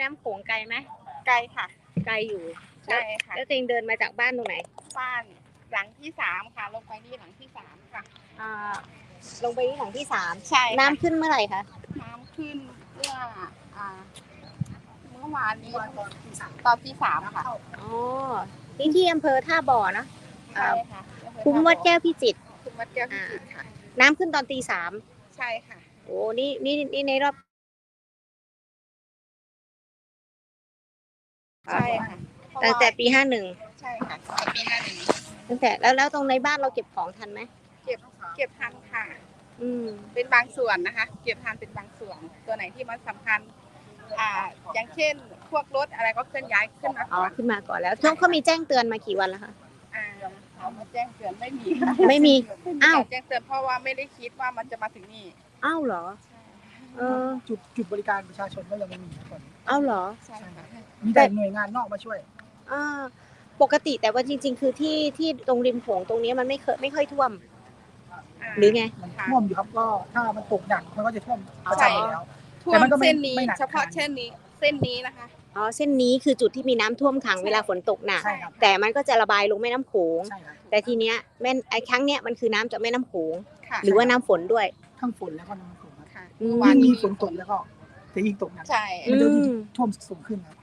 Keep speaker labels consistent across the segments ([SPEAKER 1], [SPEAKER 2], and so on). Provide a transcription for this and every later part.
[SPEAKER 1] น้ำโขงไกลไหม
[SPEAKER 2] ไกลค่ะ
[SPEAKER 1] ไกลอยู่
[SPEAKER 2] ใช่ค่ะ
[SPEAKER 1] แล้วตัวเองเดินมาจากบ้านตรงไหน
[SPEAKER 2] บ้านหลังที่3ค่ะลงไปนี่หลังที่3ค่ะ
[SPEAKER 1] ลงไปที่หลังที่3
[SPEAKER 2] ใช่
[SPEAKER 1] น้ำขึ้นเมื่อไหร่คะ
[SPEAKER 2] น้ำขึ้นเมื่อวานนี้ตอนที่3ค่ะ
[SPEAKER 1] อ๋อที่อำเภอท่าบ่อเนาะ
[SPEAKER 2] ใช่ค่ะ
[SPEAKER 1] คุ้มวัดแก้วพิจิตร
[SPEAKER 2] คุ้มวัดแก้วพิจิตรค่ะ
[SPEAKER 1] น้ำขึ้นตอนตี 3
[SPEAKER 2] ใช่ค่ะ
[SPEAKER 1] โอ้นี่ในรอบ
[SPEAKER 2] ใช่ค่ะ
[SPEAKER 1] ตั้งแต่ปี
[SPEAKER 2] ใช่ค่ะปี
[SPEAKER 1] ตั้งแต่แล้วตรงในบ้านเราเก็บของทันไหม
[SPEAKER 2] เก็บทันค่ะ
[SPEAKER 1] เป็น
[SPEAKER 2] บางส่วนนะคะเก็บทันเป็นบางส่วนตัวไหนที่มันสำคัญอย่างเช่นพวกรถอะไรก็เคลื่อนย้ายขึ้นมาก่อน
[SPEAKER 1] แล้วช่วงเขามีแจ้งเตือนมากี่วันแล้วคะ
[SPEAKER 2] เขามาแจ้งเตือนไม่มี
[SPEAKER 1] อ้าว
[SPEAKER 2] แจ้งเตือนเพราะว่าไม่ได้คิดว่ามันจะมาถึงนี่
[SPEAKER 1] อ้าวเหรอ
[SPEAKER 3] จุดบริการประชาชนก็ยังไม่มีก่อน
[SPEAKER 1] อ้าวเหรอ
[SPEAKER 2] ใช่ค่ะ
[SPEAKER 3] มีแต่หน่วยงานนอกมาช่วย
[SPEAKER 1] ปกติแต่ว่าจริงๆคือที่ตรงริมโขงตรงนี้มันไม่ค่อยท่วมหรือไง
[SPEAKER 3] มันท่วมอยู่ครับก็ถ้ามันตกหนักมันก็จะท่วมประจำอยู่แล้ว
[SPEAKER 2] ท่วมเส้นนี้เฉพาะเส้นนี้นะคะ
[SPEAKER 1] เส้นนี้คือจุดที่มีน้ำท่วมขังเวลาฝนตกหนักแต่มันก็จะระบายลงแม่น้ำโขงแต่ทีเนี้ยครั้งเนี้ยมันคือน้ำจากแม่น้ำโขงหรือว่าน้ำฝนด้วย
[SPEAKER 3] ทั้งฝนแล้วก็น้ำฝน
[SPEAKER 2] ค่ะ
[SPEAKER 3] ยิ่งมีฝนตกแล้วก็จะยิ่งตกหนัก
[SPEAKER 2] ใช่
[SPEAKER 3] มันจะท่วมสูงขึ้นครับ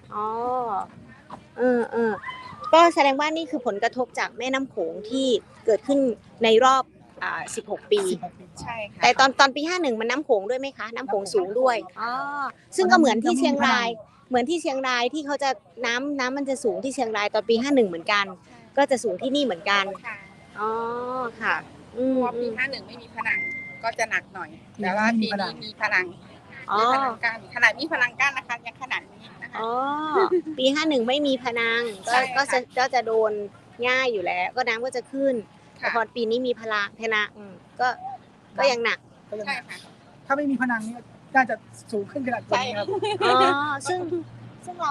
[SPEAKER 1] ก็แสดงว่านี่คือผลกระทบจากแม่น้ำโขงที่เกิดขึ้นในรอบ16 ปี
[SPEAKER 2] ใช่ค่ะ
[SPEAKER 1] แต่ตอนปี51มันน้ำโขงด้วยไหมคะน้ำโขงสูงด้วยซึ่งก็เหมือนที่เชียงรายที่เขาจะน้ำมันจะสูงที่เชียงรายตอนปี51เหมือนกันก็จะสูงที่นี่เหมือนกันค่ะ
[SPEAKER 2] เพราะปี51ไม่มีผนังก็จะหนักหน่อยแต่ว่าปีนี้มีผนังกั้นขนาดมีผนังกั้นนะคะยังขนาดนี้นะคะ
[SPEAKER 1] ปี51ไม่มีผนังก็จะโดนง่ายอยู่แล้วก็น้ำก็จะขึ้นแต่พอปีนี้มีผนังก็ยังหนัก
[SPEAKER 2] ใช่ค่ะ
[SPEAKER 3] ถ้าไม่มีผนังนี่น่าจะสูงขึ้นขนาดนี้ครับ
[SPEAKER 1] ซึ่งเรา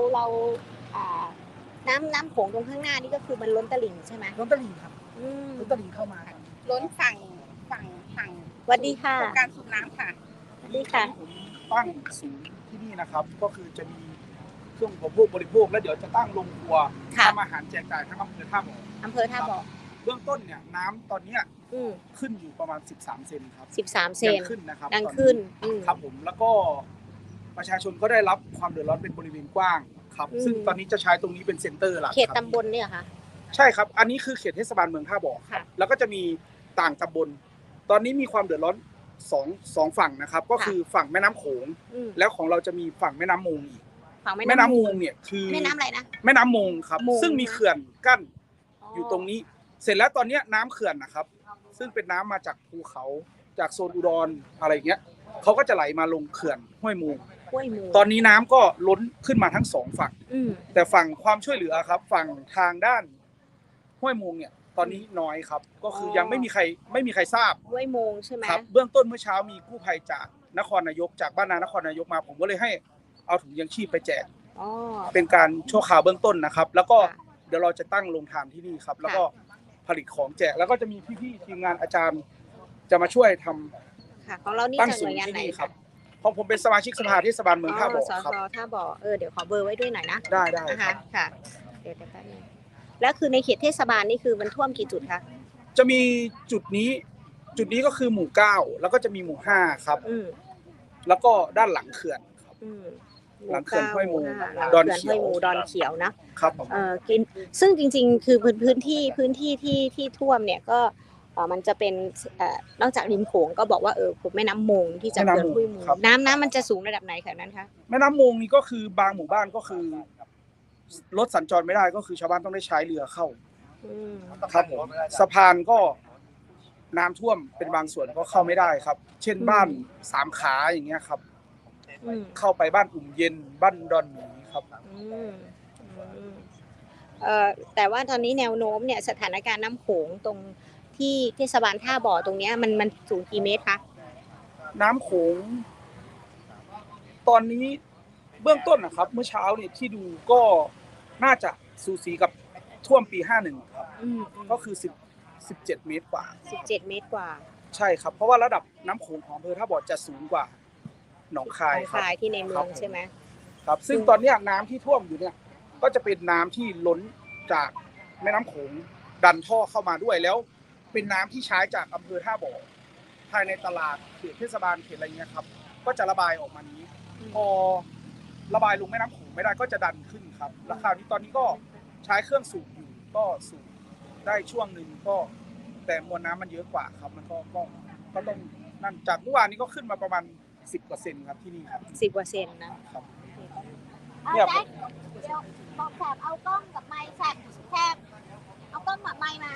[SPEAKER 1] น้ำโขงตรงข้างหน้านี่ก็คือมันล้นตลิ่งใช่ไหม
[SPEAKER 3] ล้นตลิ่งครับล้นตลิ่งเข้ามา
[SPEAKER 2] ล้นฝั่ง
[SPEAKER 1] สวัสดีค่ะ
[SPEAKER 2] การสูบน้ำค่ะ
[SPEAKER 1] สวัสดีค่ะ
[SPEAKER 3] ตั้งศูนย์ที่นี่นะครับก็คือจะมีเครื่องอุปโภคบริโภคแล้วเดี๋ยวจะตั้งโรงครัวทำอาหารแจกจ่ายทั้งอำเภอท่าบ่อเบื้องต้นเนี่ยน้ำตอนนี้ขึ้นอยู่ประมาณ13 เซนครับ
[SPEAKER 1] 13 เซน
[SPEAKER 3] ขึ้นนะครับ
[SPEAKER 1] ดังขึ้น
[SPEAKER 3] ครับผมแล้วก็ประชาชนก็ได้รับความเดือดร้อนเป็นบริเวณกว้างครับซึ่งตอนนี้จะใช้ตรงนี้เป็นเซ็นเตอร์หลัก
[SPEAKER 1] เขตตำบลเนี่ยค่ะ
[SPEAKER 3] ใช่ครับอันนี้คือเขตเทศบาลเมืองท่าบ่อครับแล้วก็จะมีต่างตำบลตอนนี้มีความเดือดร้อนสองฝั่งนะครับก็คือฝั่งแม่น้ำโขงแล้วของเราจะมีฝั่งแม่น้ำมูลอีกแม่น้ำมูลเนี่ยคือ
[SPEAKER 1] แม่น้ำอะไรนะ
[SPEAKER 3] แม่น้ำมูลครับซึ่งมีเขื่อนกั้นอยู่ตรงนี้เสร็จแล้วตอนนี้น้ำเขื่อนนะครับซึ่งเป็นน้ำมาจากภูเขาจากโซนอุดรอะไรเงี้ยเขาก็จะไหลมาลงเขื่อนห้วยมูลตอนนี้น้ำก็ล้นขึ้นมาทั้ง2ฝั่งแต่ฝั่งความช่วยเหลือครับฝั่งทางด้านห้วยมูลเนี่ยตอนนี้น้อยครับก็คือยังไม่มีใครทราบ
[SPEAKER 1] ห้วยมูลใช่ไหม
[SPEAKER 3] ครับเบื้องต้นเมื่อเช้ามีกู้ภัยจากนครนายกจากบ้านนครนายกมาผมก็เลยให้เอาถุงยังชีพไปแจกเป็นการชั่วคราวเบื้องต้นนะครับแล้วก็เดี๋ยวเราจะตั้งโรงทานที่นี่ครับแล้วก็ผลิตของแจกแล้วก็จะมีพี่ๆทีมงานอาจารย์จะมาช่วยทำ
[SPEAKER 1] ของเรานี่จะหน่วยงานไหน
[SPEAKER 3] ครับของผมเป็นสมาชิกสภาเทศบาลเมืองท่าบ่อครับ
[SPEAKER 1] ท่าบ่อเดี๋ยวขอเบอร์ไว้ด้วยหน่อยนะ
[SPEAKER 3] ได้
[SPEAKER 1] นะคะค่ะเดี๋ยวแป๊บนึงแล้วคือในเขตเทศบาลนี่คือมันท่วมกี่จุดคะ
[SPEAKER 3] จะมีจุดนี้ก็คือหมู่9แล้วก็จะมีหมู่5ครับแล้วก็ด้านหลังเขื่อนครับหลังเขื่อนห้วยมูลดอนเ
[SPEAKER 1] ขียว
[SPEAKER 3] นะครับ
[SPEAKER 1] กินซึ่งจริงๆคือพื้นที่ที่ท่วมเนี่ยก็มันจะเป็นนอกจากริมโขงก็บอกว่าผมแม่น้ำมงที่จะเกิดห้วยมูลน้ำมันจะสูงระดับไหนแถวนั้นคะ
[SPEAKER 3] แม่น้ำมงนี่ก็คือบางหมู่บ้านก็คือรถสัญจรไม่ได้ก็คือชาวบ้านต้องได้ใช้เรือเข้าครับผมสะพานก็น้ำท่วมเป็นบางส่วนก็เข้าไม่ได้ครับเช่นบ้าน3ขาอย่างเงี้ยครับเข้าไปบ้านอุ่มเย็นบ้านดอนหมีครับ
[SPEAKER 1] แต่ว่าตอนนี้แนวโน้มเนี่ยสถานการณ์น้ำโขงตรงที่เทศบาลท่าบ่อตรงนี้มันสูงกี่เมตรคะ
[SPEAKER 3] น้ำโขงตอนนี้เบื้องต้นนะครับเมื่อเช้าเนี่ยที่ดูก็น่าจะสูสีกับท่วมปี51ครับก็คือ17 เมตรกว่า
[SPEAKER 1] 17 เมตรกว่า
[SPEAKER 3] ใช่ครับเพราะว่าระดับน้ำโขงของอำเภอท่าบ่อจะสูงกว่าหนองคาย
[SPEAKER 1] ที่ในเมืองใช่ไหม
[SPEAKER 3] ครับซึ่งตอนเนี้ยน้ำที่ท่วมอยู่เนี่ยก็จะเป็นน้ำที่ล้นจากแม่น้ำโขงดันท่อเข้ามาด้วยแล้วเป็นน้ำที่ใช้จากอำเภอท่าบ่อภายในตลาดเขตเทศบาลเขตอะไรเงี้ยครับก็จะระบายออกมานี้พอระบายลงแม่น้ำโขงไม่ได้ก็จะดันขึ้นครับราคานี้ตอนนี้ก็ใช้เครื่องสูบอยู่ก็สูบได้ช่วงหนึ่งก็แต่มวลน้ำมันเยอะกว่าครับมันก็ต้องนั่นจากเมื่อวานนี้ก็ขึ้นมาประมาณ10%ครับที่นี่ครับ
[SPEAKER 1] 10%นะครับ
[SPEAKER 3] เนี่ย
[SPEAKER 1] แจ็คเดี๋ยวบอกแสบเอากล้องกับไมค์แสบเอากล้องกับไมค์มา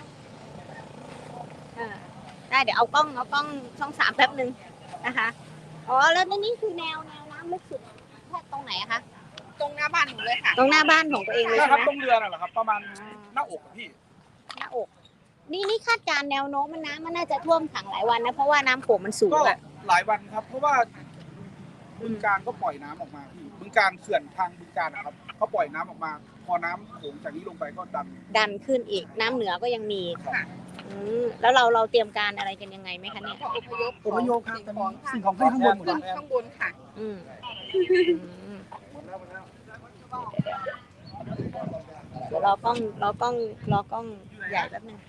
[SPEAKER 1] ได้เดี๋ยวเอากล้องช่อง3แป๊บนึงนะคะอ๋อแล้วนี่คือแนวน้ำลึกสุดแค่ตรงไหนอะคะ
[SPEAKER 2] ตรงหน้าบ้านหนูเลยค่ะ
[SPEAKER 1] ตรงหน้าบ้านของตัวเองเลย
[SPEAKER 3] ใช่
[SPEAKER 1] ใช่
[SPEAKER 3] ครับ
[SPEAKER 1] ไหม
[SPEAKER 3] ตรงเรือน่ะเหรอครับประมาณหน้าอกอะพี่
[SPEAKER 1] หน้าอก นี่คาดการณ์แนวโน้มมันน้ำมันน่าจะท่วมขังหลายวันนะเพราะว่าน้ำโขงมันสูง
[SPEAKER 3] ก็
[SPEAKER 1] อะ
[SPEAKER 3] หลายวันครับ เพราะว่าบึงการก็ปล่อยน้ำออกมาพี่บึงการเขื่อนทางบึงการนะครับเขาปล่อยน้ำออกมา พอน้ำโขงจากนี้ลงไปก็ดัน
[SPEAKER 1] ขึ้นอีกน้ำเหนือก็ยังมี
[SPEAKER 2] ค่ะ
[SPEAKER 1] แล้วเราเตรียมการอะไรกันยังไงไหมคะเนี่ย
[SPEAKER 2] อพยพ
[SPEAKER 4] อพยพครับตอนนี้สิ่งของขึ้นข้างบนหมด
[SPEAKER 2] ขึ้
[SPEAKER 4] แล้
[SPEAKER 2] น
[SPEAKER 4] ว
[SPEAKER 2] ข้างบนค่ะ
[SPEAKER 1] อืมเดี๋ยวรอกล้องใหญ่แป๊บนึง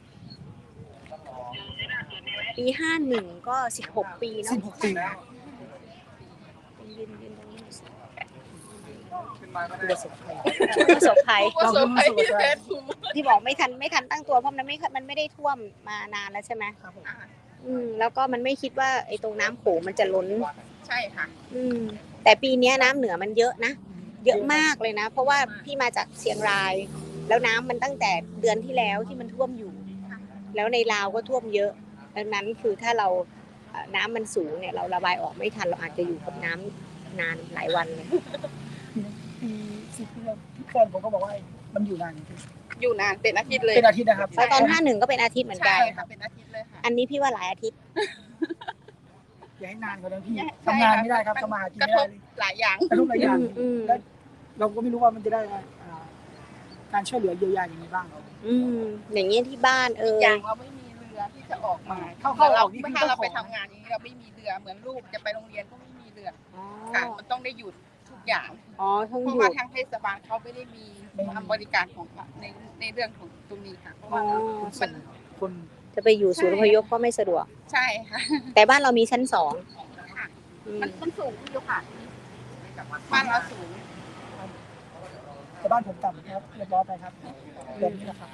[SPEAKER 1] ปี51ก็16 ปีเนาะ
[SPEAKER 4] 16 ปีแล้ว
[SPEAKER 1] ยืนตรงนี้หน่อยสิ
[SPEAKER 3] ขึ้นมาก็ได้
[SPEAKER 1] ประสบภัย
[SPEAKER 2] เราขึ้นมาสู่ใจ
[SPEAKER 1] ที่บอกไม่ทันตั้งตัวเพราะมันไม่ได้ท่วมมานานแล้วใช่ไหม
[SPEAKER 4] ครับผม
[SPEAKER 1] แล้วก็มันไม่คิดว่าไอ้ตรงน้ำโขงมันจะล้น
[SPEAKER 2] ใช่ค่ะ
[SPEAKER 1] แต่ปีนี้น้ำเหนือมันเยอะนะ เยอะมากเลยนะ เพราะว่าพี่มาจากเชียงราย แล้วน้ำมันตั้งแต่เดือนที่แล้วที่มันท่วมอยู่ แล้วในลาวก็ท่วมเยอะดังนั้นคือถ้าเราน้ำมันสูงเนี่ยเราระบายออกไม่ทันเราอาจจะอยู่กับน้ำนานหลายวันเลย
[SPEAKER 4] ปี10 ปีแล้วแฟนผมก็บอกว่ามันอยู่นานจริง
[SPEAKER 2] อยู่นานเป็นอาทิตย์เลย
[SPEAKER 4] เป็นอาทิตย์นะครับ
[SPEAKER 1] แล้วตอน51ก็เป็นอาทิตย์เหมือนกั
[SPEAKER 2] ใช่
[SPEAKER 1] น
[SPEAKER 2] ค่ะเป็นอาทิตย์เลยค่ะ
[SPEAKER 1] อันนี้พี่ว่าหลายอาทิตย์
[SPEAKER 4] อย่าให้นานกว่านั้นพี่
[SPEAKER 2] ใช่
[SPEAKER 4] ทำงานไม่ได้ครับทำมาหากิน
[SPEAKER 2] กระ
[SPEAKER 4] ไม่
[SPEAKER 2] ท
[SPEAKER 4] ได้
[SPEAKER 2] บ
[SPEAKER 4] เลย
[SPEAKER 2] หลายอย่าง
[SPEAKER 4] กระทบหลายอย่าง
[SPEAKER 1] อืม
[SPEAKER 4] แล้วเราก็ไม่รู้ว่ามันจะได้การช่วยเหลือเยียวยาอย่างไรบ้าง
[SPEAKER 1] อย่างเงี้ยที่บ้าน
[SPEAKER 2] อย่างเราไม่มีเรือที่จะออกมา
[SPEAKER 4] เข้าออกนี่
[SPEAKER 2] เมื่
[SPEAKER 4] คือ
[SPEAKER 2] อ
[SPEAKER 4] ต้อง
[SPEAKER 2] เรา
[SPEAKER 4] ข
[SPEAKER 2] ไป
[SPEAKER 4] อ
[SPEAKER 2] ทำงานอย่างนี้เราไม่มีเรือเหมือนลูกจะไปโรงเรียนก็ไม่มีเรือ
[SPEAKER 1] อ๋อ
[SPEAKER 2] ค่ะมันต้องได้หยุดทุกอย่าง
[SPEAKER 1] ทั้ง
[SPEAKER 2] เพ
[SPEAKER 1] อ
[SPEAKER 2] ราะ
[SPEAKER 1] ยู่
[SPEAKER 2] ว่าทางเทศบาลเขาไม่ได้มีบริการของในเรื่องของตรงนี้ค่ะเพราะว่ามัน
[SPEAKER 4] คน
[SPEAKER 1] จะไปอยู่ศูนย์อพยพก็ไม่สะดวก
[SPEAKER 2] ใช่ค่ะ
[SPEAKER 1] แต่บ้านเรามีชั้น
[SPEAKER 2] ค่ะ
[SPEAKER 1] 2
[SPEAKER 2] มันสูงอยู่ค่ะบ้านเราสูง
[SPEAKER 4] แต่บ้านผมต่ำครับเรียบร้อยไปครับแบบนี้นะครับ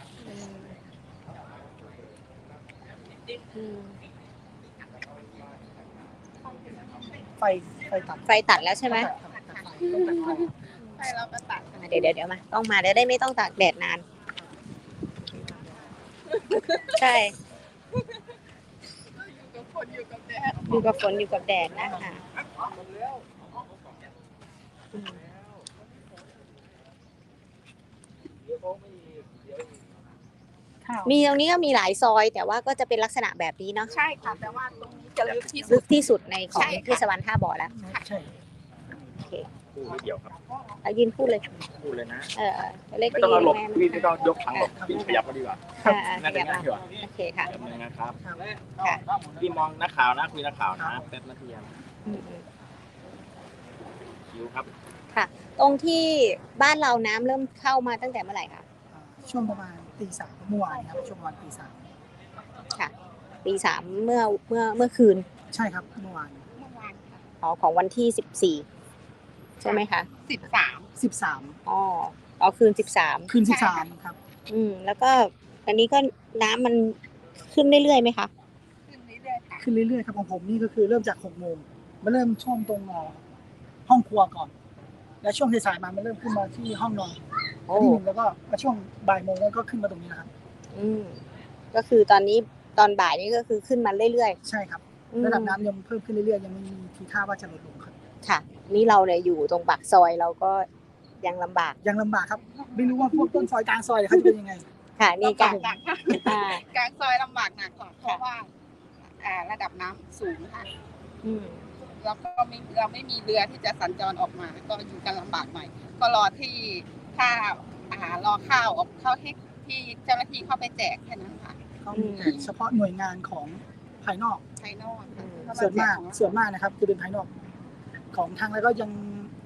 [SPEAKER 4] ไฟตัด
[SPEAKER 1] ไฟตัดแล้วใช่ไหม
[SPEAKER 4] ต้องตัดไฟ
[SPEAKER 2] ใช่เราก็ตัด
[SPEAKER 1] เดี๋ยวมาต้องมาได้ไม่ต้องตากแดดนาน ใช่
[SPEAKER 2] อยู่กับคนอยู่กับแดด
[SPEAKER 1] อยู่กับฝนอยู่กับแดดนะคะมีตรงนี้ก็มีหลายซอย แต่ว่าก็จะเป็นลักษณะแบบนี้เนาะ
[SPEAKER 2] ใช่ค่ะแต่ว่าตรงนี้จะลึกที่สุ
[SPEAKER 1] ลึ
[SPEAKER 2] ด
[SPEAKER 1] กที่สุดในของ
[SPEAKER 2] ใช่ค่ะ
[SPEAKER 1] เทศบาลท่าบ่อแล้ว
[SPEAKER 4] ใช่
[SPEAKER 1] โอเค
[SPEAKER 5] พูดไม่เกี่ยวครับ
[SPEAKER 1] เอายืนพูดเลย
[SPEAKER 5] พูดเลยนะ
[SPEAKER 1] เล็ก
[SPEAKER 5] ไม่ต้องเอาหลบ
[SPEAKER 1] แม่
[SPEAKER 5] พี่ไม่ต้องยกถังหลบพี่ขยับมาดีกว่า น่าจะง่ายกว่า
[SPEAKER 1] โอเคค่ะ
[SPEAKER 5] แบบนึงนะครับ
[SPEAKER 1] ค่ะ
[SPEAKER 5] พี่มองนักข่าวนะคุยนักข่าวนะแป๊บนาทีครับ
[SPEAKER 1] อืม
[SPEAKER 5] คิวครับ
[SPEAKER 1] ตรงที่บ้านเราน้ำเริ่มเข้ามาตั้งแต่เมื่อไหร่คะ
[SPEAKER 4] ช่วงประมาณตี 3เมื่อวานครับช่วงประมาณตี
[SPEAKER 1] ค่ะตี3เมื่อคืน
[SPEAKER 4] 3ใช่ครับเมื่อวาน
[SPEAKER 2] เมื่อวานค่ะ
[SPEAKER 1] ของวันที่14ใช่ไหมคะ
[SPEAKER 2] 13
[SPEAKER 4] 13
[SPEAKER 1] คืน13
[SPEAKER 4] คืน13ครับ
[SPEAKER 1] แล้วก็อันนี้ก็น้ำมันขึ้นเรื่อยๆไหมคะ
[SPEAKER 2] ขึ้นเรื่อยๆค่ะ
[SPEAKER 4] ขึ้นเรื่อยๆครับของผมนี่ก็คือเริ่มจาก6 โมงมาเริ่มช่วงตรงห้องครัวก่อน แล้วช่วงสายๆมามันเริ่มขึ้นมาที่ห้องนอนที่หนึ่งแล้วก็มาช่วงบ่ายโมงแล้วก็ขึ้นมาตรงนี้นะครับ
[SPEAKER 1] ก็คือตอนนี้ตอนบ่ายนี้ก็คือขึ้นมาเรื่อย
[SPEAKER 4] ใช่ครับ
[SPEAKER 1] ๆ
[SPEAKER 4] ระดับน้ำยังเพิ่มขึ้นเรื่อยๆยังไม่มีทีท่าว่าจะลดลงครับ
[SPEAKER 1] ค่ะ นี่เราเนี่ยอยู่ตรงปากซอยเราก็ยังลำบาก
[SPEAKER 4] ยังลำบากครับไม่รู้ว่าพวกต้นซอยกลางซอยเขาจะเป็นยังไง
[SPEAKER 1] ค่ะนี่กัน
[SPEAKER 2] หนักค่ะ
[SPEAKER 1] อ่าก
[SPEAKER 2] ลางซอยลำบากหนักกว่าเพราะว่าระดับน้ำสูงค่ะ
[SPEAKER 1] อืม
[SPEAKER 2] แล้วก็เราไม่มีเรือที่จะสัญจรออกมา ก็อยู่กันลำบากหน่อยก็รอที่ถ้ารอข้าวออกเข้าที่เจ้าหน้าที่เข้าไปแจกแค่นั้นค่ะ
[SPEAKER 4] เขามีแต่เฉพาะหน่วยงานของภายนอก
[SPEAKER 2] ภายนอกค่ะ
[SPEAKER 4] ส่วนมากนะครับจะเป็นภายนอกของทางแล้วก็ยัง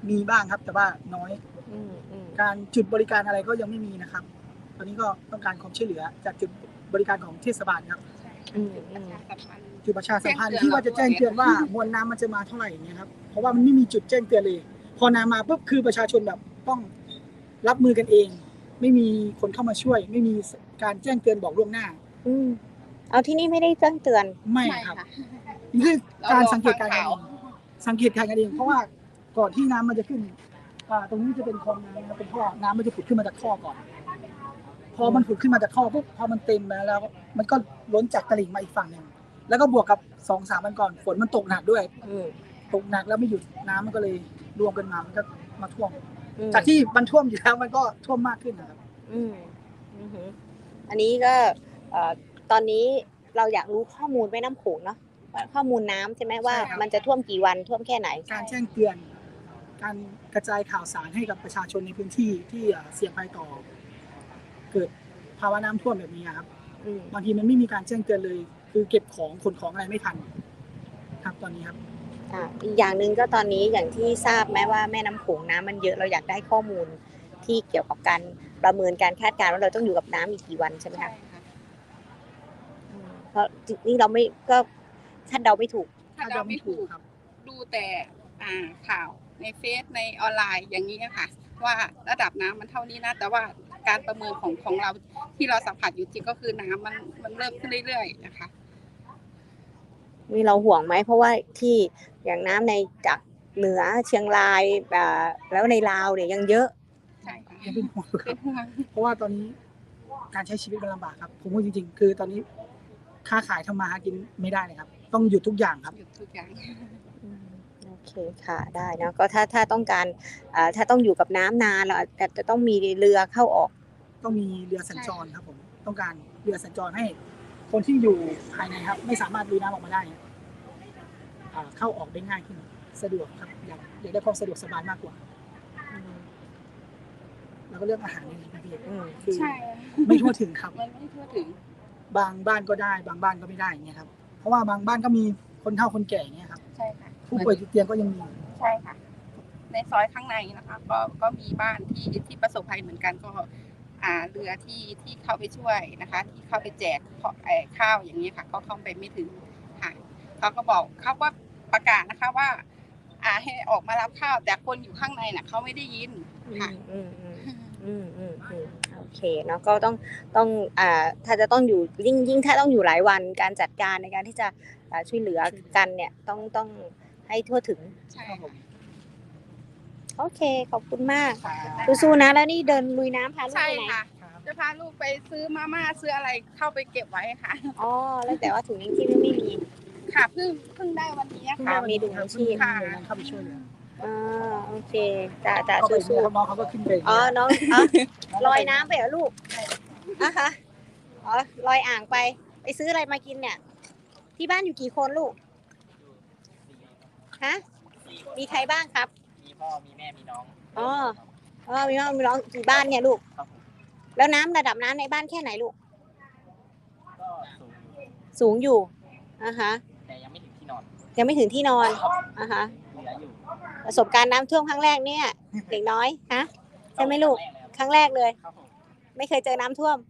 [SPEAKER 4] มีบ้างครับแต่ว่าน้อย
[SPEAKER 1] อืมอืม
[SPEAKER 4] การจุดบริการอะไรก็ยังไม่มีนะครับ ตอนนี้ก็ต้องการความช่วยเหลือจากจุดบริการของเทศบาลครับ
[SPEAKER 1] อืม
[SPEAKER 4] จุดประชาสัมพันธ์ที่ว่าจะแจ้งเตือนว่ามวลน้ำมันจะมาเท่าไหร่อย่างเงี้ยครับเพราะว่ามันไม่มีจุดแจ้งเตือนเลย พอน้ำมาปุ๊บคือประชาชนแบบต้องรับมือกันเอง ไม่มีคนเข้ามาช่วย ไม่มีการแจ้งเตือนบอกล่วงหน้า
[SPEAKER 1] อืมเอาที่นี่ไม่ได้แจ้งเตือน
[SPEAKER 4] ไม่
[SPEAKER 2] ไม่
[SPEAKER 4] ครับ
[SPEAKER 2] ค่ะ
[SPEAKER 4] นี่คือการสังเกต
[SPEAKER 2] เรา
[SPEAKER 4] การณ์กัน
[SPEAKER 2] รอ
[SPEAKER 4] เอ
[SPEAKER 2] ฟัง
[SPEAKER 4] งสังเกตการณ์กันเองเพราะว่าก่อนที่น้ำมันจะขึ้นตรงนี้จะเป็นคลองน้ำนะครับเป็นท่อน้ำมันจะผุดขึ้นมาจากท่อก่อน พอมันผุดขึ้นมาจากท่อปุ๊บพอมันเต็มแล้ว มันก็ล้นจากตลิ่งมาอีกฝั่งหนึ่งแล้วก็บวกกับ2-3 วันก่อนฝนมันตกหนักด้วย
[SPEAKER 1] อืม
[SPEAKER 4] ตกหนักแล้วไม่หยุดน้ำมันก็เลยรวมกันมามันก็มาท่วม
[SPEAKER 1] อืม
[SPEAKER 4] จากที่มันท่วมอยู่แล้วมันก็ท่วมมากขึ้นนะครับ
[SPEAKER 1] อืมอือหืออันนี้ก็ตอนนี้เราอยากรู้ข้อมูลแม่น้ำโขงเนาะว่าข้อมูลน้ำใช่ไหมว่า
[SPEAKER 4] ใช่ครับ
[SPEAKER 1] มันจะท่วมกี่วันท่วมแค่ไหน
[SPEAKER 4] การแจ้งเตือน การกระจายข่าวสารให้กับประชาชนในพื้นที่ที่เสี่ยงภัยต่อ เกิดภาวะน้ำท่วมแบบนี้ครับ
[SPEAKER 1] อืม
[SPEAKER 4] บางทีมันไม่มีการแจ้งเตือนเลย คือเก็บของขนของอะไรไม่ทัน ครับตอนนี้ครับ
[SPEAKER 1] อีกอย่างหนึ่งก็ตอนนี้อย่างที่ทราบไหมว่าแม่น้ำโขงน้ำมันเยอะเราอยากได้ข้อมูลที่เกี่ยวกับการประเมินการคาดการณ์ว่าเราต้องอยู่กับน้ำอีกกี่วันใช่ไหม
[SPEAKER 2] ใช่
[SPEAKER 1] คะ
[SPEAKER 2] ค่ะ
[SPEAKER 1] เพราะนี่เราไม่ก็คาดเดาไม่ถูก
[SPEAKER 2] ถ้าเราไม่ถูก
[SPEAKER 4] ครับ
[SPEAKER 2] ดูแต่ข่าวในเฟซในออนไลน์อย่างนี้ค่ะ ว่าระดับน้ำมันเท่านี้นะแต่ว่าการประเมินของเราที่เราสัมผัสอยู่จริงก็คือน้ำมันเริ่มขึ้นเรื่อยๆนะคะ
[SPEAKER 1] มีเราห่วงไหมเพราะว่าที่อย่างน้ำในจากเหนือเชียงรายแล้วในลาวเนี่ยยังเยอะ
[SPEAKER 2] ใช่ค่ะ
[SPEAKER 4] ยังเป็นห่วงอยู่ค
[SPEAKER 2] เป็
[SPEAKER 4] รับ
[SPEAKER 2] นห่วง
[SPEAKER 4] เพราะว่าตอนนี้การใช้ชีวิตมันลำบากครับ ผมพูดจริงๆ คือตอนนี้ค้าขายทำมาหากินไม่ได้เลยครับ ต้องหยุดทุกอย่างครับ
[SPEAKER 2] หยุดทุกอย่าง
[SPEAKER 1] โอเคค่ะได้นะก็ถ้าต้องการถ้าต้องอยู่กับน้ำนานเราอาจจะต้องมีเรือเข้าออก
[SPEAKER 4] ต้องมีเรือสัญจรครับผม ต้องการเรือสัญจรให้คนที่อยู่ภายในครับ ไม่สามารถลุยน้ำออกมาได้เข้าออกได้ง่ายขึ้นสะดวกครับอยากได้ความสะดวกสบายมากกว่า แล้วก็เรื่องอาหารนี่นะพี่ คือ
[SPEAKER 2] ใช่
[SPEAKER 4] ไม่ทั่วถึงครับ
[SPEAKER 2] มันไม่ทั่วถึง
[SPEAKER 4] บางบ้านก็ได้ บางบ้านก็ไม่ได้อย่างเงี้ยครับ เพราะว่าบางบ้านก็มีคนเฒ่าคนแก่อย่างเงี้ยครับ
[SPEAKER 2] ใช่ค่ะ
[SPEAKER 4] ผู้ป่วยติดเตียงก็ยังมี
[SPEAKER 2] ใช่ค่ะ ในซอยข้างในนะคะก็มีบ้านที่ประสบภัยเหมือนกันก็เรือที่เข้าไปช่วยนะคะ ที่เข้าไปแจกข้าวอย่างนี้ค่ะก็เข้าไปไม่ถึงค่ะเขาก็บอกเขาก็ประกาศนะคะว่าให้ออกมารับข้าวแต่คนอยู่ข้างในน่ะเขาไม่ได้ยินค่ะ
[SPEAKER 1] โอเคเนาะก็ต้องถ้าจะต้องอยู่ยิ่งถ้าต้องอยู่หลายวันการจัดการในการที่จะช่วยเหลือกันเนี่ยต้องให้ทั่วถึง
[SPEAKER 2] ใช่
[SPEAKER 4] ครับผม
[SPEAKER 1] โอเคขอบคุณมากสู้ๆนะแล้วนี่เดินลุยน้ำพาลูก
[SPEAKER 2] ใช่
[SPEAKER 1] ไปไหน
[SPEAKER 2] ค่ะ จะพาลูกไปซื้อมาม่าซื้ออะไรเข้าไปเก็บไว้ค่ะ
[SPEAKER 1] อ๋อแล้วแต่ว่าถุงยังชีพไม่มี
[SPEAKER 2] ค่ะเพิ่งได้วันนี้
[SPEAKER 1] ค่ะ
[SPEAKER 2] ค่ะ
[SPEAKER 1] มีถุงยังชีพ
[SPEAKER 2] ค่ะ
[SPEAKER 4] หน่วยงานเข้าไปช่วยเหลือ
[SPEAKER 1] โอเคจ้า
[SPEAKER 4] เข้าไป
[SPEAKER 1] สู้
[SPEAKER 4] น้องเขาก็ขึ้นไป
[SPEAKER 1] ๆอ๋อน้องลอยน้ำไปเหรอลูกนะคะอ๋อลอยอ่างไปซื้ออะไรมากินเนี่ย ที่บ้านอยู่กี่คนลูกฮะมีใครบ้างครับ
[SPEAKER 5] มีพ่อมีแม่มีน้อง
[SPEAKER 1] อ๋อมีน้องกี่บ้านเนี่ยลูก
[SPEAKER 5] ครับผม
[SPEAKER 1] แล้วระดับน้ำในบ้านแค่ไหนลูก
[SPEAKER 5] ก็สูงอยู่
[SPEAKER 1] สูงอยู่ฮะ
[SPEAKER 5] แต่ยังไม่ถึงที่นอน
[SPEAKER 1] ยังไม่ถึงที่นอนฮะ
[SPEAKER 5] เหลืออยู่
[SPEAKER 1] ประสบการณ์น้ำท่วมครั้งแรกเนี่ยเด็กน้อยฮะใช่ไหมลูกครั้งแรกเลย
[SPEAKER 5] ครับผม
[SPEAKER 1] ไม่เคยเจอน้ำท่วม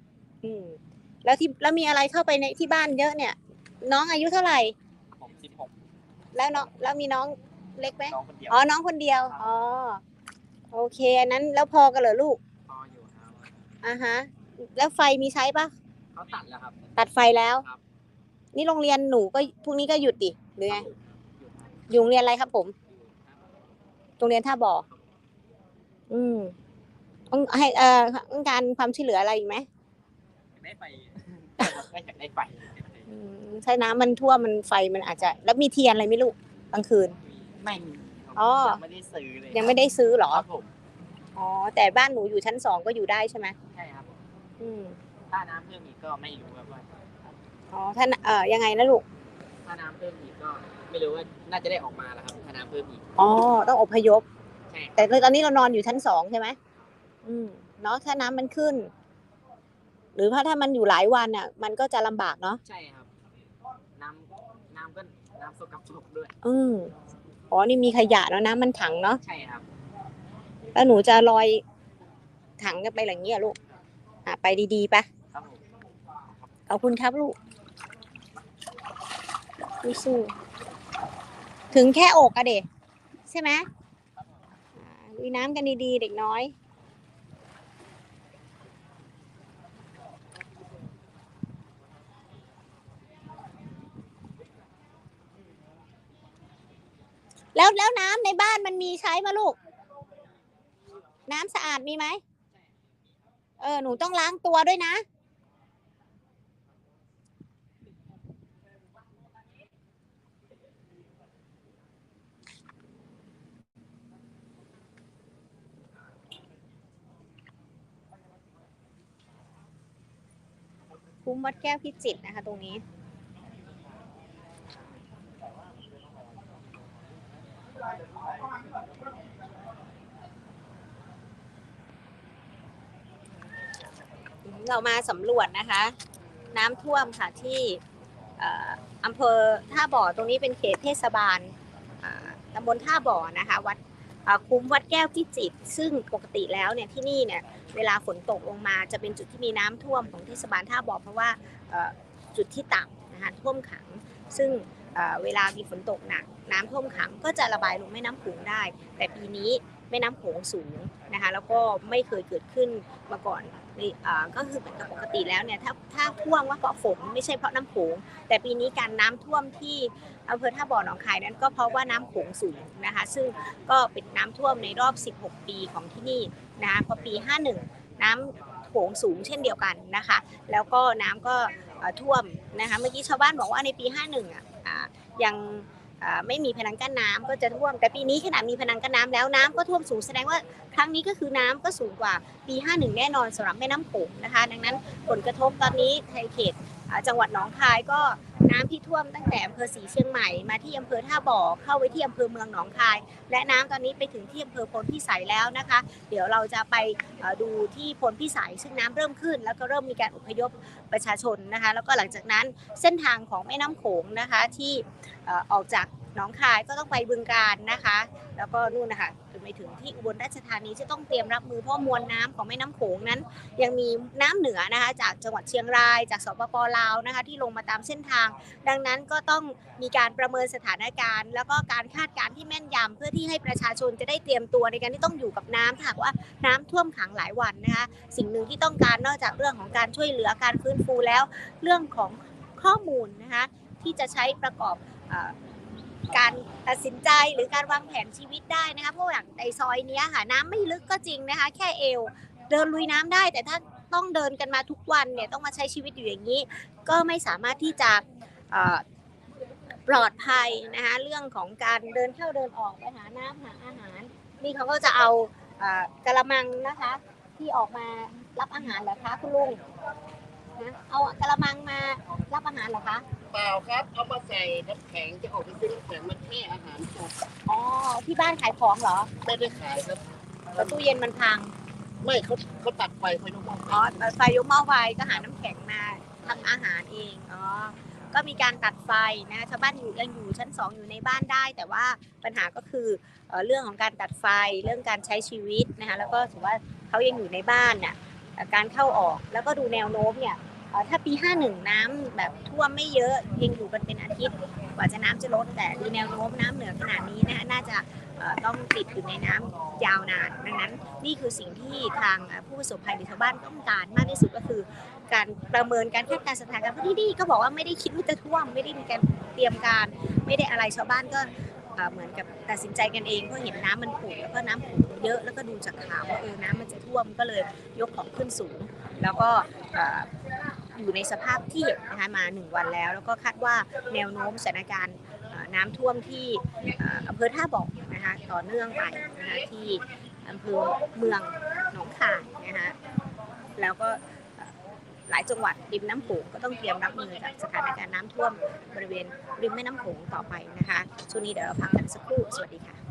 [SPEAKER 1] แล้วมีอะไรเข้าไปในที่บ้านเยอะเนี่ย น้องอายุเท่าไหร่
[SPEAKER 5] ผม16
[SPEAKER 1] แล้วมีน้องเล็กไหม
[SPEAKER 5] น้องคนเดียว
[SPEAKER 1] อ๋อน้องคนเดียวอ๋อโอเคอันนั้นแล้วพอกันเหรอลูก
[SPEAKER 5] พออยู่ครับ
[SPEAKER 1] ฮะแล้วไฟมีใช้ปะ
[SPEAKER 5] เขาตัดแล้วครับ
[SPEAKER 1] ตัดไฟแล้ว
[SPEAKER 5] ครับ
[SPEAKER 1] นี่โรงเรียนหนูก็พรุ่งนี้ก็หยุดดิหรือไง
[SPEAKER 5] อยู่ครับ
[SPEAKER 1] อยู่โรงเรียนอะไรครับผมโรงเรียนท่าบ่อต้องให้ต้องการความช่วยเหลืออะไรอีกไหม
[SPEAKER 5] ได้ไฟไม่อยากได้ไฟ
[SPEAKER 1] ใช่น้ำมันท่วมมันไฟมันอาจจะแล้วมีเทียนอะไรไหม่ลูกกลางคืน
[SPEAKER 5] ไม่มี
[SPEAKER 1] อ๋อ
[SPEAKER 5] ยังไม่ได้ซื้อเลย
[SPEAKER 1] ยังไม่ได้ซื้อเหรอ
[SPEAKER 5] ครับผม
[SPEAKER 1] อ๋อแต่บ้านหนูอยู่ชั้น2ก็อยู่ได้ใช่ไหม
[SPEAKER 5] ใช่ครับ
[SPEAKER 1] ถ้า
[SPEAKER 5] ถ้าน้ำเพิ่มอีกก็ไม่รู้ว่า
[SPEAKER 1] อ๋อถ้ายังไงนะลูก
[SPEAKER 5] ถ้าน้ำเพิ่มอีกก็ไม่รู้ว่าน่าจะได้ออกมาแล้วครับถ้าน้ำเพิ่มอีก
[SPEAKER 1] อ๋อต้องอพยพ
[SPEAKER 5] ใช่
[SPEAKER 1] แต่ตอนนี้เรานอนอยู่ชั้น2ใช่ไหมเนาะถ้าน้ำมันขึ้น หรือถ้ามันอยู่หลายวันอ่ะมันก็จะลำบากเนาะ
[SPEAKER 5] ใช่ครับน้ำก็น้ำสกปรกด้วย
[SPEAKER 1] โออ๋อนี่มีขยะแล้วนะมันถังเนาะ
[SPEAKER 5] ใช่ครับ
[SPEAKER 1] แล้วหนูจะลอยถังกันไปอย่างเงี้ยลูกไปดีๆปะ
[SPEAKER 5] ครับผม
[SPEAKER 1] ขอบคุณครับลูกสู้ถึงแค่อกอะเด็กใช่ไหมลุยน้ำกันดีๆเด็กน้อยแล้วน้ำในบ้านมันมีใช้ปะลูกน้ำสะอาดมีไหมหนูต้องล้างตัวด้วยนะคุ้มวัดแก้วพิจิตรนะคะตรงนี้เรามาสำรวจนะคะน้ำท่วมค่ะที่อำเภอท่าบ่อตรงนี้เป็นเขตเทศบาลตำบลท่าบ่อนะคะวัดคุ้มวัดแก้วพิจิตรซึ่งปกติแล้วเนี่ยที่นี่เนี่ยเวลาฝนตกลงมาจะเป็นจุดที่มีน้ำท่วมของเทศบาลท่าบ่อเพราะว่าจุดที่ต่ำนะคะท่วมขังซึ่งเวลามีฝนตกหนักน้ำท่วมขังก็จะระบายลงแม่น้ำโขงได้แต่ปีนี้แม่น้ำโขงสูงนะคะแล้วก็ไม่เคยเกิดขึ้นมาก่อนก็คือเหมือนกับปกติแล้วเนี่ยถ้าท่วมว่าเพราะฝนไม่ใช่เพราะน้ำโขงแต่ปีนี้การน้ำท่วมที่อำเภอท่าบ่อหนองคายนั้นก็เพราะว่าน้ำโขงสูงนะคะซึ่งก็เป็นน้ำท่วมในรอบ16ปีของที่นี่นะคะพอปี51น้ำโขงสูงเช่นเดียวกันนะคะแล้วก็น้ำก็ท่วมนะคะเมื่อกี้ชาวบ้านบอกว่าในปี51ยังไม่มีพนังกั้นน้ำก็จะท่วมแต่ปีนี้ขนาดมีพนังกั้นน้ำแล้วน้ำก็ท่วมสูงแสดงว่าครั้งนี้ก็คือน้ำก็สูงกว่าปี51แน่นอนสำหรับแม่น้ำโขงนะคะดังนั้นผลกระทบตอนนี้ในเขตจังหวัดหนองคายก็น้ำที่ท่วมตั้งแต่อำเภอศรีเชียงใหม่มาที่อำเภอท่าบ่อเข้าไปที่อำเภอเมืองหนองคายและน้ำตอนนี้ไปถึงที่อำเภอพลพิสัยแล้วนะคะเดี๋ยวเราจะไปดูที่พลพิสัยซึ่งน้ำเริ่มขึ้นแล้วก็เริ่มมีการอพยพประชาชนนะคะแล้วก็หลังจากนั้นเส้นทางของแม่น้ำโขงนะคะที่ออกจากหนองคายก็ต้องไปบึงกาฬนะคะแล้วก็นู่นนะคะจนไปถึงที่อุบลราชธานีจะต้องเตรียมรับมือเพราะมวลน้ำของแม่น้ำโขงนั้นยังมีน้ำเหนือนะคะจากจังหวัดเชียงรายจากสปป.ลาวนะคะที่ลงมาตามเส้นทางดังนั้นก็ต้องมีการประเมินสถานการณ์แล้วก็การคาดการณ์ที่แม่นยำเพื่อที่ให้ประชาชนจะได้เตรียมตัวในการที่ต้องอยู่กับน้ำถ้าหากว่าน้ำท่วมขังหลายวันนะคะสิ่งหนึ่งที่ต้องการนอกจากเรื่องของการช่วยเหลือการฟื้นฟูแล้วเรื่องของข้อมูลนะคะที่จะใช้ประกอบการตัดสินใจหรือการวางแผนชีวิตได้นะคะเพราะอย่างในซอยนี้ค่ะน้ำไม่ลึกก็จริงนะคะแค่เอวเดินลุยน้ำได้แต่ถ้าต้องเดินกันมาทุกวันเนี่ยต้องมาใช้ชีวิตอยู่อย่างนี้ก็ไม่สามารถที่จะปลอดภัยนะคะเรื่องของการเดินเข้าเดินออกไปหาน้ำหาอาหารนี่เขาก็จะเอากระมังนะคะที่ออกมารับอาหารเหรอคะคุณลุงนะเอากระมังมารับอาหารเหรอคะ
[SPEAKER 6] เปล่าครับเอามาใส่น้ำแข็งจะออกไปซื้อน้ำแข็งมันแค่อาหารสด
[SPEAKER 1] อ๋อที่บ้านขายของเหรอ
[SPEAKER 6] ไม่ได้ขายครับ
[SPEAKER 1] แต่ตู้เย็นมันพัง
[SPEAKER 6] ไม่เขาตัดไฟยกหม้อ
[SPEAKER 1] อ๋อไฟยกหม้อไฟก็หาน้ำแข็งมาทำอาหารเองอ๋อก็มีการตัดไฟนะชาวบ้านยังอยู่ชั้น2อยู่ในบ้านได้แต่ว่าปัญหาก็คือเรื่องของการตัดไฟเรื่องการใช้ชีวิตนะคะแล้วก็ถือว่าเขายังอยู่ในบ้านน่ะการเข้าออกแล้วก็ดูแนวโน้มเนี่ยถ้าปี51น้ำแบบท่วมไม่เยอะยังอยู่กันเป็นอาทิตย์กว่าจะน้ำจะลดแต่ดูแนวโน้มน้ำเหนือขนาดนี้นะคะน่าจะต้องติดอยู่ในน้ำยาวนานดังนั้นนี่คือสิ่งที่ทางผู้ประสบภัยหรือชาวบ้านต้องการมากที่สุดก็คือการประเมินการคาดการณ์สถานการณ์เพราะที่นี่ก็บอกว่าไม่ได้คิดว่าจะท่วมไม่ได้มีการเตรียมการไม่ได้อะไรชาวบ้านก็เหมือนกับตัดสินใจกันเองเพราะเห็นน้ำมันผุดแล้วก็น้ำผุดเยอะแล้วก็ดูจากข่าวว่าน้ำมันจะท่วมก็เลยยกของขึ้นสูงแล้วก็อยู่ในสภาพที่เห็นนะคะมา1วันแล้วก็คาดว่าแนวโน้มสถานการณ์น้ำท่วมที่อำเภอท่าบ่อนะคะต่อเนื่องไปนะคะที่อำเภอเมืองหนองคายนะคะแล้วก็หลายจังหวัดริมน้ำโขงก็ต้องเตรียมรับมือกับสถานการณ์น้ำท่วมบริเวณริมแม่น้ำโขงต่อไปนะคะช่วงนี้เดี๋ยวเราพักกันสักครู่สวัสดีค่ะ